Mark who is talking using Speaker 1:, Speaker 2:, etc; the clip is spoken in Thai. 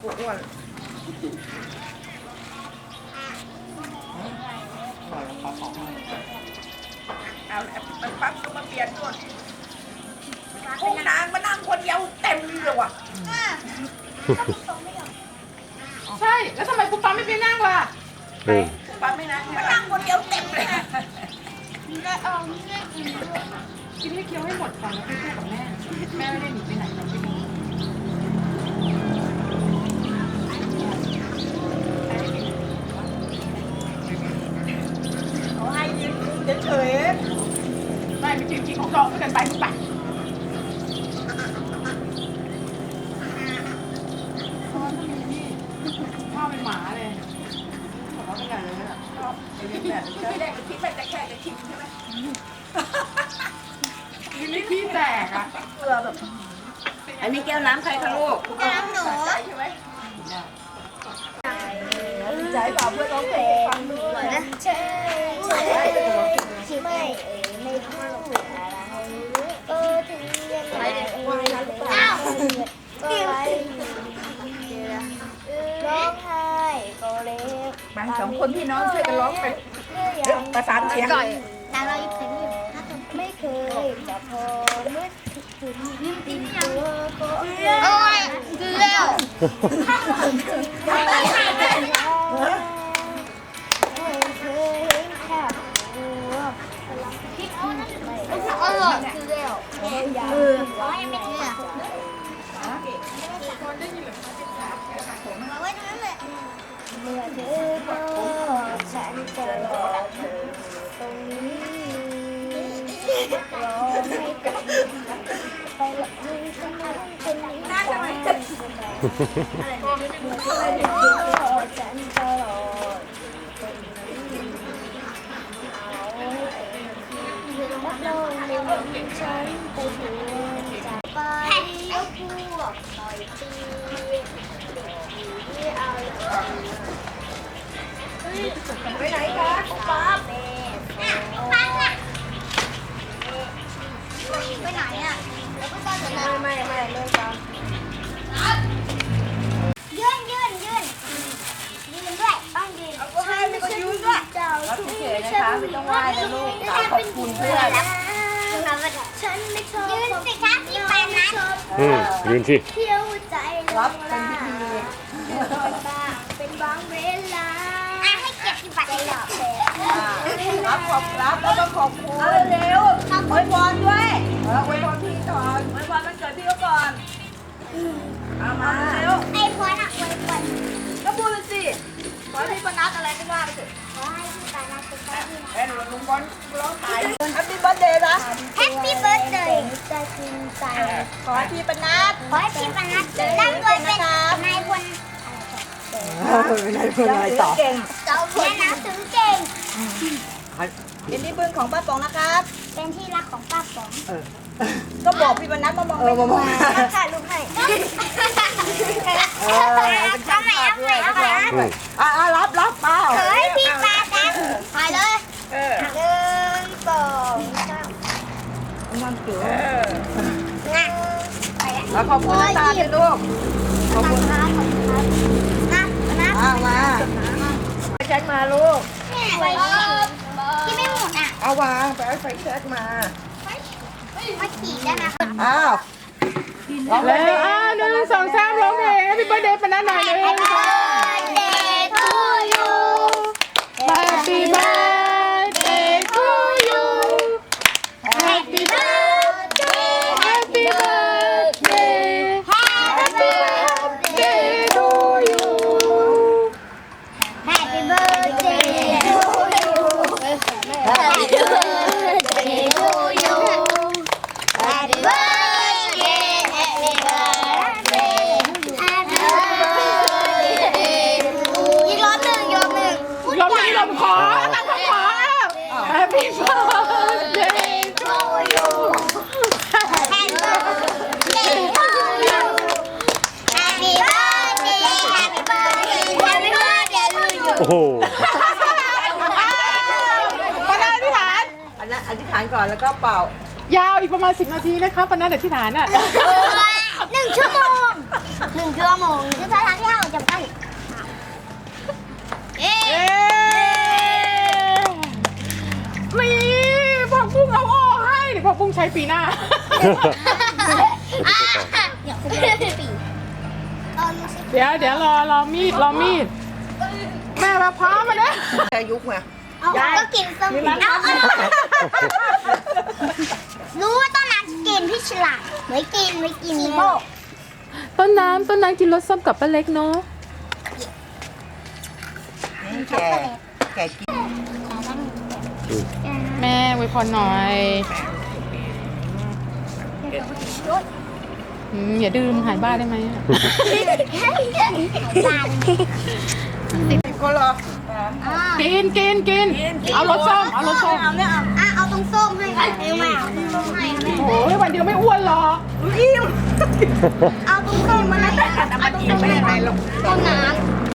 Speaker 1: อ้วนเอามันปั๊บก็มาเปลี่ยนตัวห้องนางมานั่งคนเดียวเต็มเลยว่ะ
Speaker 2: ใช่แล้วทำไมคุณป้าไม่ไปนั่งล่ะ
Speaker 1: ปั๊บไม่นั่งมานั่งคนเดียวเต็มเลย
Speaker 2: กินให้เคี้ยวให้หมดก่อนแล้วค่อยแม่กับแม่แม่ไม่ได้หนีไปไหนเราไม่รู้
Speaker 1: เขาให้ยืนเฉย
Speaker 2: ไม่จริงของเราเกินไปมึงไปพ่อเป็นหมาเลยบอกว่าเป็นไงเลยอ่ะ
Speaker 1: ชอบไอ้เรื่องแบบแรกก็คิดว่าจะแค่จะชิมใช่ไหม
Speaker 2: นี่ขี้แตกอ่ะ
Speaker 1: เกลือแบบอันนี้แก้วน้ำใครคะลูกน้ำหนูใช่ไหมใจเปล่าเพื่อนร้องเพลงฟังด้วยนะ
Speaker 3: ใช่ไม่พูดอะไรถึงยังไงอ้าวร้องไห้ก็เล็ก
Speaker 1: บางสองคนพี่น้องช่วยกันร้องไปประสานเสียง
Speaker 3: นางเราหยิบเสียงอยู่ไม่เคยจะพอเมื่อถึงยิ้มตีนี่ยังโอ้ยคือแล้วไม่เคยเห็นแค่อร่อยคือแล้วร้อยไม่เชื่อเอาไว้ตรงนั้นเลยเมื่อเธอบอกฉันจะรอเธอตรงนี้รอให้กันไปละมือฉันเป็นนี้เมื่อเธอบอกฉันจะรอตรงนี้เอาให้เป็นรับรองในวันฉันไปถึงจากไปแล้วพวกหน่อยตี
Speaker 1: ไปไหนคะป๊าบ
Speaker 3: ไปไหนอ่ะแล้วก็ตอนนั้น
Speaker 1: ไม่เลยจ้า
Speaker 3: ยื่นด้วยต้องยืน
Speaker 1: ก็ให้ไม่ก็ยืนด้วยรับเฉยนะคะไม่ต้องไหว้นะลูกขอบคุณเพื่อน
Speaker 3: ฉันไม่ชอบยืนสิคะพี่ปานะ
Speaker 4: ยืนสิ
Speaker 3: เที่ยวใจ
Speaker 1: รับเป็นพิธี
Speaker 3: เป็นบางเวลาให้เกียรติบัตรเลยหรอ
Speaker 1: รับแล้วก็ขอบคุณเร็วอวยพรด้วยอวยพรพี่ก่อนอวยพรมันเกิดพี่ก็ก่อนเอามาเร็ว
Speaker 3: ไอ้พรอ่ะอวยพร
Speaker 1: ก็พูดเลยสิขอให้พี่ปนัดอะไรก็ว่าไปสิ
Speaker 3: ขอให้พี่ปานะเป็นบ้าน
Speaker 1: เอ็นลุงบอลร้องขายแฮปปี้เบิร์ดเดย์นะ
Speaker 3: แฮปปี้เบิร์ดเดย์จะกินใจ
Speaker 1: ขอให้พี่ปนัด
Speaker 3: ขอให้พี่ปนัดร่ำรวยเป็นนายพล
Speaker 1: เป็นอะไรต่อเก่ง
Speaker 3: เจ้าเรียนหนังสือเก่ง
Speaker 1: เป็นที่พึ่งของป้าป๋องนะครับ
Speaker 3: เป็นที่รักของป้าป๋อง
Speaker 1: ก็บอกพี่ปนัดมามองไม่มองถ่ายรูปให้
Speaker 3: เอาใหม่รับเ
Speaker 1: ปล่า
Speaker 3: เฮ้ยพี่ปานะถ่ายเลย1 2 3
Speaker 1: มันเก๋
Speaker 3: นะ
Speaker 1: ขอบคุณนะตาเลยลูก
Speaker 3: ขอบคุณครับ
Speaker 1: มาแจ็คมาลูก
Speaker 3: ที่ไม่หมดอ่ะ
Speaker 1: เอาวางไปเอาไฟแจ็คมา
Speaker 3: ขี่ได้ไหมคะ
Speaker 1: อ้าว
Speaker 2: แล้ว1 2 3ร้องเพลง Happy Birthday ปนัดหน่อยเลยHappy birthday to you
Speaker 3: Happy birthday Happy birthday
Speaker 2: Happy birthday to you
Speaker 3: Happy birthday to you Happy birthday to you Happy birthday Happy birthday Happy birthday อีกรอบหนึ่ง
Speaker 2: ลมขอ Happy birthday to you
Speaker 3: Happy birthday to you Happy birthday Happy birthday Happy birthday to you
Speaker 4: โอ้โห
Speaker 2: ปนัดอธิษฐาน
Speaker 1: อธิษฐานก่อนแล้วก็เป่าย
Speaker 2: าวอีกประมาณ10 นาทีนะคะปนัดอธิษฐานอ่ะ
Speaker 3: 1 ชั่วโมง 1 ชั่วโมงคือสถานที่เราจำกัดเอ๊
Speaker 2: เอ๊นี่ผักบุ้งเอาออกให้เดี๋ยวผักบุ้งใช้ปีหน้า
Speaker 3: เดี๋ยวคุณแม่ปีตอนนี้
Speaker 2: เดี๋ยวรอมีดแม่มาพร้อมมาเนี่ย
Speaker 1: แต่ยุคไง
Speaker 3: เอาก็กินส้มเอารู้ว่าต้นน้ำกินพี่ฉลาดไม่กินนีโม
Speaker 2: ต้นน้ำกินรสส้มกับป้าเล็กเนาะ
Speaker 1: นี่แกกิน
Speaker 2: แม่อวยพรหน่อยอย่าดื่มหายบ้าได้ไหมอะ
Speaker 1: 10 คนเหรอ
Speaker 2: กินเอารสส้ม
Speaker 1: เอาเนี่ยเอา
Speaker 3: เอาตรงส้มให้ค่ะไม่เอาตรงส้มให้ค่ะแม่
Speaker 2: โอ้ยวันเดียวไม่อ้วนหรอก
Speaker 1: อิ่ม
Speaker 3: เอาตรงส้มมาเลย
Speaker 1: เอามากินไม่ได้หรอก
Speaker 3: ตรงไหน